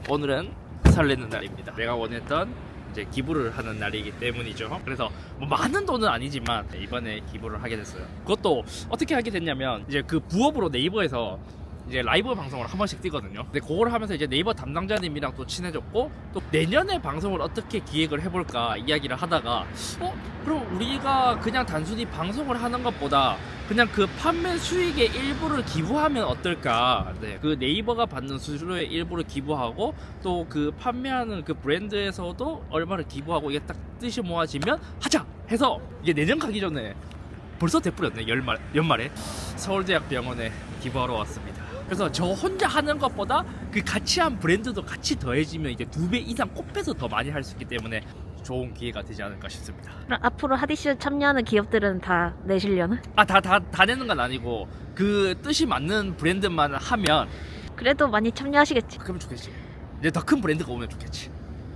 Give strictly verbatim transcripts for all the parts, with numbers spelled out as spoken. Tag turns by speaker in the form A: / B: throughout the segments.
A: 오늘은 설레는 날입니다. 내가 원했던 이제 기부를 하는 날이기 때문이죠. 그래서 뭐 많은 돈은 아니지만 이번에 기부를 하게 됐어요. 그것도 어떻게 하게 됐냐면 이제 그 부업으로 네이버에서 이제 라이브 방송을 한 번씩 뛰거든요. 근데 그걸 하면서 이제 네이버 담당자님이랑 또 친해졌고, 또 내년에 방송을 어떻게 기획을 해볼까 이야기를 하다가 어? 그럼 우리가 그냥 단순히 방송을 하는 것보다 그냥 그 판매 수익의 일부를 기부하면 어떨까. 네, 그 네이버가 받는 수수료의 일부를 기부하고 또 그 판매하는 그 브랜드에서도 얼마를 기부하고, 이게 딱 뜻이 모아지면 하자 해서 이게 내년 가기 전에 벌써 돼버렸네. 연말, 연말에 서울대학병원에 기부하러 왔습니다. 그래서 저 혼자 하는 것보다 그 같이 한 브랜드도 같이 더해지면 이제 두 배 이상 곱해서 더 많이 할 수 있기 때문에 좋은 기회가 되지 않을까 싶습니다.
B: 그럼 앞으로 하디슈 참여하는 기업들은 다 내시려나?
A: 아, 다, 다, 다 내는 건 아니고 그 뜻이 맞는 브랜드만 하면
B: 그래도 많이 참여하시겠지.
A: 그러면 좋겠지. 이제 더 큰 브랜드가 오면 좋겠지.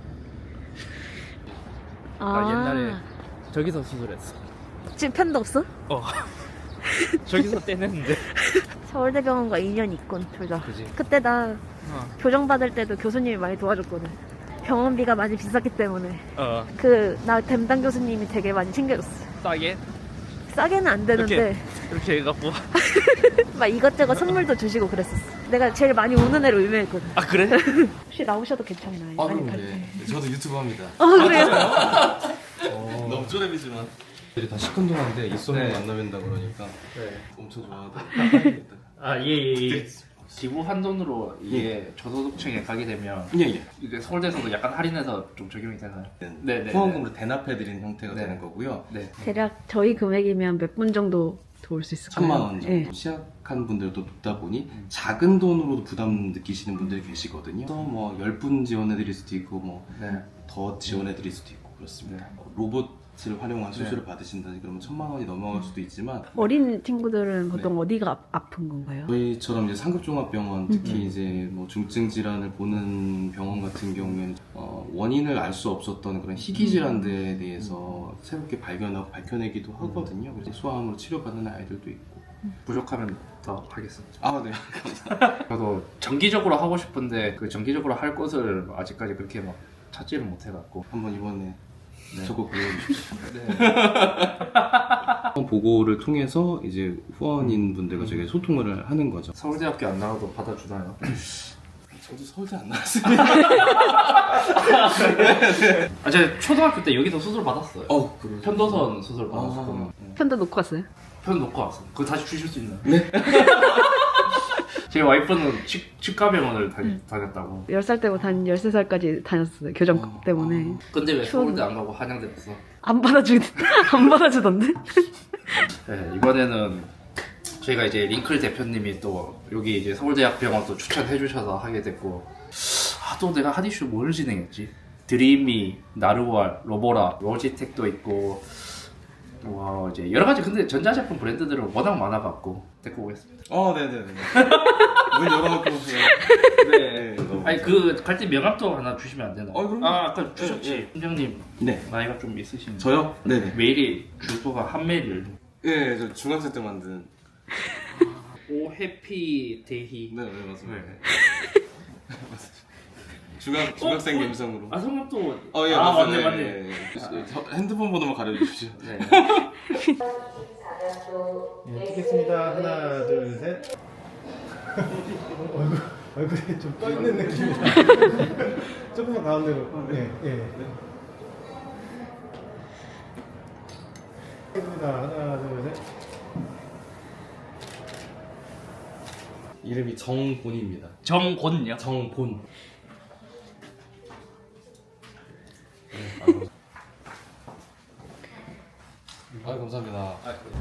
B: 아,
A: 아, 옛날에 저기서 수술했어.
B: 지금 편도 없어?
A: 어. 저기서 떼냈는데.
B: 서울대병원과 인연이 있군, 둘 다.
A: 그지.
B: 그때 나
A: 어.
B: 교정 받을 때도 교수님이 많이 도와줬거든. 병원비가 많이 비쌌기 때문에.
A: 어.
B: 그 나 담당 교수님이 되게 많이 챙겨줬어.
A: 싸게
B: 싸게는 안 되는데
A: 이렇게 해갖고.
B: 막 이것저것 선물도 주시고 그랬었어. 내가 제일 많이 우는 애로 유명했거든.
A: 아, 그래?
B: 혹시 나오셔도 괜찮나요?
C: 아,
B: 많이
C: 그럼
B: 갈
C: 네.
B: 때.
C: 저도 유튜브 합니다.
B: 어, 그래요?
C: 어... 너무 쪼렙이지만. 애들이 다 시큰둥한데 입소문
A: 네.
C: 만나면다 그러니까
A: 네.
C: 엄청 좋아하더라고요.
A: 아, 예, 예, 예. 기부 한돈으로 이게 저소득층에 가게 되면
C: 예, 예.
A: 이게 서울대에서도 약간 할인해서 좀 적용이 되나요? 네, 네.
C: 후원금으로 대납해드리는 형태가
A: 네.
C: 되는 거고요.
A: 네.
B: 대략 저희 금액이면 몇 분 정도 도울 수 있을까요?
C: 천만 원 정도.
B: 네.
C: 시작한 분들도 높다 보니 작은 돈으로도 부담 느끼시는 분들이 계시거든요. 그래서 뭐 열 분 지원해드릴 수도 있고 뭐 더
A: 네.
C: 지원해드릴 수도 있고 그렇습니다.
A: 네.
C: 어, 로봇을 활용한 수술을
A: 네.
C: 받으신다니 그러면 천만 원이 넘어갈 수도 있지만
B: 어린 친구들은 보통 어디가 아, 아픈 건가요?
C: 저희처럼 이제 상급종합병원 특히
B: 음.
C: 이제 뭐 중증 질환을 보는 병원 같은 경우에는 어, 원인을 알 수 없었던 그런 희귀 질환들에 대해서 새롭게 발견하고 밝혀내기도 하거든요. 그래서 소아암으로 치료받는 아이들도 있고.
A: 부족하면 더 하겠습니다.
C: 아, 네.
A: 저도 정기적으로 하고 싶은데 그 정기적으로 할 곳을 아직까지 그렇게 막 찾지를 못해갖고.
C: 한번 이번에
A: 네.
C: 적극 고려해주십시오.
A: 네.
C: 보고를 통해서 이제 후원인 분들과 저희가 소통을 하는 거죠.
A: 서울대학교 안 나와도 받아주나요?
C: 저도 서울대 안 나왔습니다.
A: 아, 제가 초등학교 때 여기서 수술 받았어요.
C: 어, 그러죠.
A: 편도선 수술 받았었거든요.
B: 편도 놓고 왔어요?
A: 편 놓고 왔어요. 그거 다시 주실 수 있나요?
C: 네.
A: 제 와이프는 치, 치과병원을 다, 다녔다고.
B: 열 살 때부터 한 열세 살까지 다녔어요. 교정
C: 어,
B: 때문에.
A: 근데 왜
B: 추억이-
A: 서울대 안 가고 한양대 갔어?
B: 안 받아주, 안 받아주던데?
A: 네, 이번에는 저희가 이제 링클 대표님이 또 여기 이제 서울대학병원 또 추천해 주셔서 하게 됐고, 아, 또 내가 하디슈 뭘 진행했지? 드림이, 나르왈, 로보라, 로지텍도 있고, 와, 이제 여러 가지. 근데 전자제품 브랜드들은 워낙 많아갖고 데리고 오겠습니다.
C: 어, 네네네. 문 열어놓고.
A: 네.
C: 네, 너무
A: 아니 그 갈 때 명함도 하나 주시면 안 되나요?
C: 어, 그럼요.
A: 아, 아까 주셨지.
C: 네,
A: 팀장님
C: 네.
A: 나이가 좀 있으신.
C: 저요? 네네.
A: 메일이 주소가 한 메일.
C: 예, 저 중학생 때 만든.
A: 오 해피 데이.
C: 네, 네, 맞습니다.
A: 네.
C: 중학, 중학생
A: 어? 어?
C: 감성으로.
A: 아, 성함도.
C: 어, 예,
A: 아,
C: 맞습니다.
A: 맞네,
C: 예,
A: 맞네.
C: 예, 예. 저 핸드폰 번호만 가려주십시오.
A: 네.
D: 네, 찍겠습니다. 하나, 둘, 셋. 얼굴, 얼굴이 좀 떠있는 느낌이다. 조금만 가운데로. 네, 예. 찍겠습니다. 하나, 둘, 셋.
C: 이름이 정본입니다.
A: 정곤요.
C: 정본. 아, 감사합니다.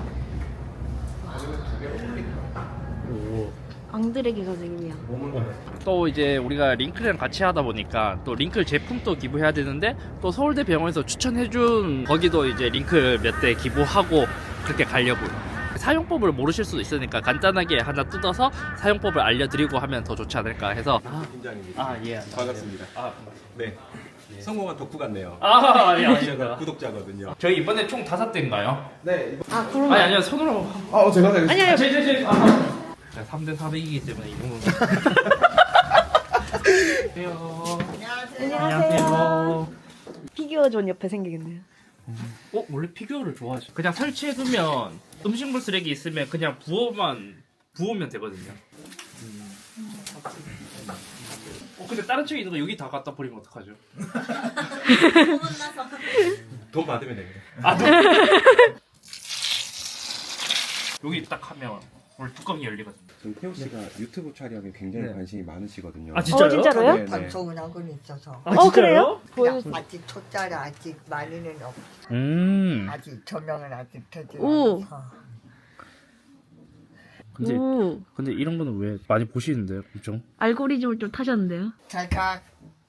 B: 앙드레기 선생님이야.
A: 또 이제 우리가 링클이랑 같이 하다 보니까 또 링클 제품도 기부해야 되는데, 또 서울대 병원에서 추천해준 거기도 이제 링클 몇 대 기부하고 그렇게 가려고요. 사용법을 모르실 수도 있으니까 간단하게 하나 뜯어서 사용법을 알려드리고 하면 더 좋지 않을까 해서.
D: 팀장입니다.
A: 아, 예.
D: 반갑습니다.
A: 아,
D: 네. 성공한 덕후 같네요.
A: 아, 아니,
D: 제가
A: 아닙니다.
D: 구독자거든요.
A: 저희 이번에 총 다섯 대인가요?
D: 네.
B: 아, 그럼.
A: 아니, 아니요. 손으로.
D: 아, 어, 제가 되겠습니다.
B: 아니, 아니.
A: 제, 제, 제. 아, 삼 대 사백이기 때문에 이 정도는. 안녕하세요.
B: 안녕하세요. 피규어존 옆에 생기겠네요.
A: 어 원래 피규어를 좋아하죠. 그냥 설치해두면 음식물 쓰레기 있으면 그냥 부어만 부으면 되거든요. 음. 어 근데 다른 책에 있는 거 여기 다 갖다 버리면 어떡하죠?
D: 돈 받으면 되겠네.
A: 아 네. 여기 딱 하면 원래 뚜껑이 열리거든요.
E: 지금 태호 씨가 유튜브 촬영에 굉장히
D: 네.
E: 관심이 많으시거든요.
A: 아 진짜요?
B: 어, 진짜로요?
E: 네, 네.
F: 방송은하고는 있어서
A: 아,
B: 어,
A: 진짜요?
B: 그래요? 보여.
F: 그냥 아직 초짜라 아직 많이는 없
A: 음.
F: 아직 조명은 아직 되지
B: 오.
F: 않아서
A: 근데
B: 오,
A: 근데 이런 거는 왜 많이 보시는데요, 엄청?
B: 알고리즘을 좀 타셨는데요.
F: 잘가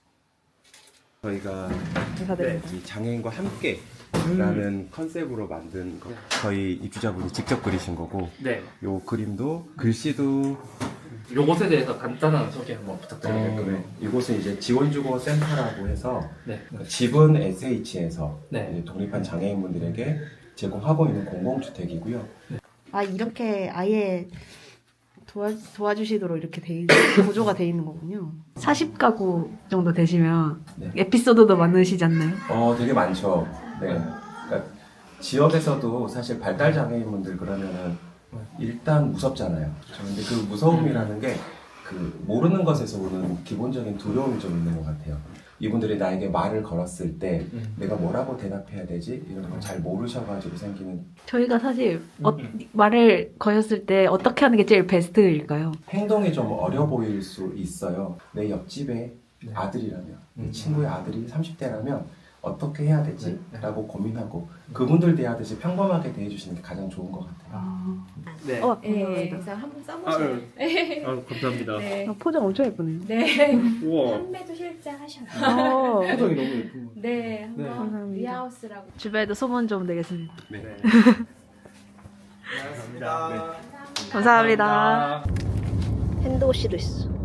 E: 저희가
B: 감사드립니다.
E: 이 장애인과 함께라는 컨셉으로 만든 거. 저희 입주자분이 직접 그리신 거고
A: 네.
E: 요 그림도 글씨도
A: 요것에 대해서 간단한 소개 한번 부탁드립니다.
E: 어, 네. 이곳은 이제 지원주거 센터라고 해서
A: 네.
E: 그러니까 집은 에스에이치에서
A: 네.
E: 독립한 장애인분들에게 제공하고 있는 공공주택이고요.
B: 아 이렇게 아예 도와, 도와주시도록 이렇게 돼 있, 구조가 돼 있는 거군요. 사십 가구 정도 되시면
E: 네.
B: 에피소드도 많으시지 않나요?
E: 어, 되게 많죠. 네. 그러니까 지역에서도 사실 발달 장애인분들 그러면은 일단 무섭잖아요. 그런데 그 무서움이라는 게 그 모르는 것에서 오는 기본적인 두려움이 좀 있는 것 같아요. 이분들이 나에게 말을 걸었을 때 내가 뭐라고 대답해야 되지? 이런 걸 잘 모르셔가지고 생기는
B: 저희가 사실 어, 말을 거셨을 때 어떻게 하는 게 제일 베스트일까요?
E: 행동이 좀 어려 보일 수 있어요. 내 옆집에 아들이라면, 내 친구의 아들이 삼십 대라면 어떻게 해야 되지? 라고 고민하고 그분들 대하듯이 평범하게 대해주시는 게 가장 좋은 것 같아요.
A: 네.
B: 어,
G: 네,
B: 감사합니다.
G: 그래서 한번
A: 아,
G: 써보셔요.
A: 네. 아, 감사합니다.
G: 네.
B: 아, 포장 엄청 예쁘네요.
G: 네.
A: 우와.
G: 판매도 실제 하셨나요?
B: 어,
D: 표정이 너무 예쁜 거.
G: 네, 한번
B: 감사합니다.
G: 리하우스라고.
B: 주변에도 소문 좀 내겠습니다.
A: 네.
D: 감사합니다.
B: 감사합니다. 핸드워시도 있어.